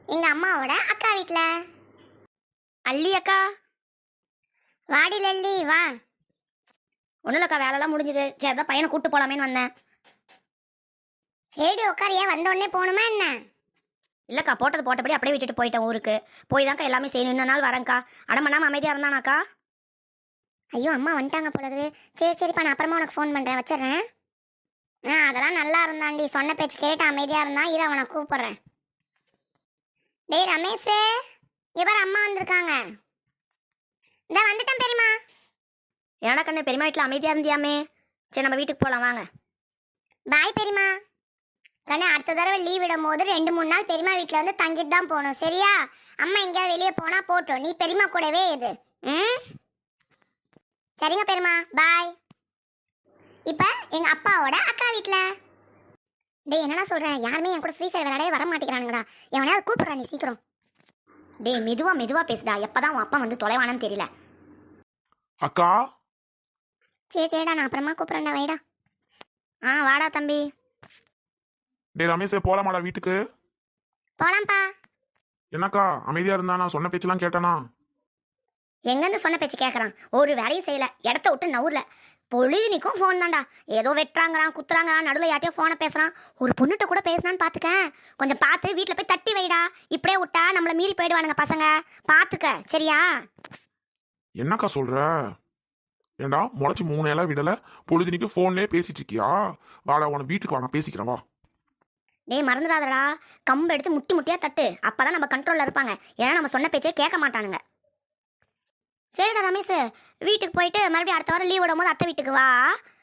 எங்க அம்மாவோட அக்கா வீட்ல. அல்லி அக்கா. வாடி லல்லி வா. ஒன்றும் இல்லைக்கா, வேலைலாம் முடிஞ்சுது. சரி தான் பையனை கூப்பிட்டு போகலாமேன்னு வந்தேன். சரி உட்காரியா, வந்த உடனே போகணுமா என்ன? இல்லைக்கா, போட்டது போட்டபடி அப்படியே விட்டுட்டு போயிட்டேன் ஊருக்கு. போய் தான்க்கா எல்லாமே செய்யணும். இன்னொரு நாள் வரேன்க்கா. அடம் பண்ணாமல் அமைதியாக இருந்தானாக்கா? ஐயோ அம்மா வந்துட்டாங்க போலது. சரிப்பா, நான் அப்புறமா உனக்கு ஃபோன் பண்ணுறேன், வச்சிடுறேன். அதெல்லாம் நல்லா இருந்தான்டி, சொன்ன பேச்சு கேட்டு அமைதியாக இருந்தான். இரு அவனை கூப்பிட்றேன். டேய் ரமேஷ், இவர் அம்மா வந்திருக்காங்க. இந்த வந்துட்டேன் பெரியம்மா. ஏன்னா கண்ணு, பெரியம்மா வீட்டில் அமைதியாக இருந்தியாமே. சரி நம்ம வீட்டுக்கு போகலாம் வாங்க. பாய் பெரியம்மா. கண்ணு, அடுத்த தடவை லீவ் விடும் போது 2-3 நாள் பெரியம்மா வீட்டில் வந்து தங்கிட்டு தான் போகணும், சரியா? அம்மா எங்கேயாவது வெளியே போனால் போட்டோம், நீ பெரியம்மா கூடவே இது. சரிங்க பெரியம்மா, பாய். இப்போ எங்கள் அப்பாவோட அக்கா வீட்டில். டேய் என்னடா சொல்கிறேன், யாருமே என் கூட ஃப்ரீ ஃபயர் விளையாடவே வர மாட்டேங்கிறானுங்கடா. எவனையாவது கூப்பிட்றா நீ சீக்கிரம். டேய் மெதுவாக பேசுடா. எப்போ தான் உன் அப்பா வந்து தொலைவானன்னு தெரியல. அக்கா. சரிடா, நான் அப்புறமா கூப்பிட்றேன்டா, வைடா. வாடா தம்பி. டேய் ரமேஷ், போலாமாடா வீட்டுக்கு? போலாம்ப்பா. என்னக்கா அமைதியா இருந்தா? நான் சொன்ன பேச்செல்லாம் கேட்டானா? எங்கேருந்து சொன்ன பேச்சு கேட்குறான்? ஒரு வேலையும் செய்யலை, இடத்த விட்டு நவுரில். பொழுதுனிக்கும் ஃபோன் தான்டா. ஏதோ வெட்டுறாங்கிறான், குத்துறாங்கிறான், நடுவில் யார்ட்டையோ ஃபோனை பேசுகிறான். ஒரு பொண்ணுகிட்ட கூட பேசுனான்னு பார்த்துக்க. கொஞ்சம் பார்த்து வீட்டில் போய் தட்டி வைடா. இப்படியே விட்டா நம்மளை மீறி போயிடுவானுங்க பசங்க. பார்த்துக்க, சரியா? என்னக்கா சொல்ற? ஏண்டா முளைச்சி 3 இலை விடல, பொழுதுனிக்கு போன்லயே பேசிட்டு இருக்கியா? வாடா, உன வீட்டுக்கு வா, நான் பேசிக்கிறேன் வா. டேய் மறந்துடாதடா, கம்பு எடுத்து முட்டி முட்டியாக தட்டு. அப்போ தான் நம்ம கண்ட்ரோலில் இருப்பாங்க. ஏன்னா நம்ம சொன்ன பேச்சே கேட்க மாட்டானுங்க. சரிடா ரமேஷ், வீட்டுக்கு போயிட்டு மறுபடியும் அடுத்த வாரம் லீவ் விடும் போது அத்தை வீட்டுக்கு வா.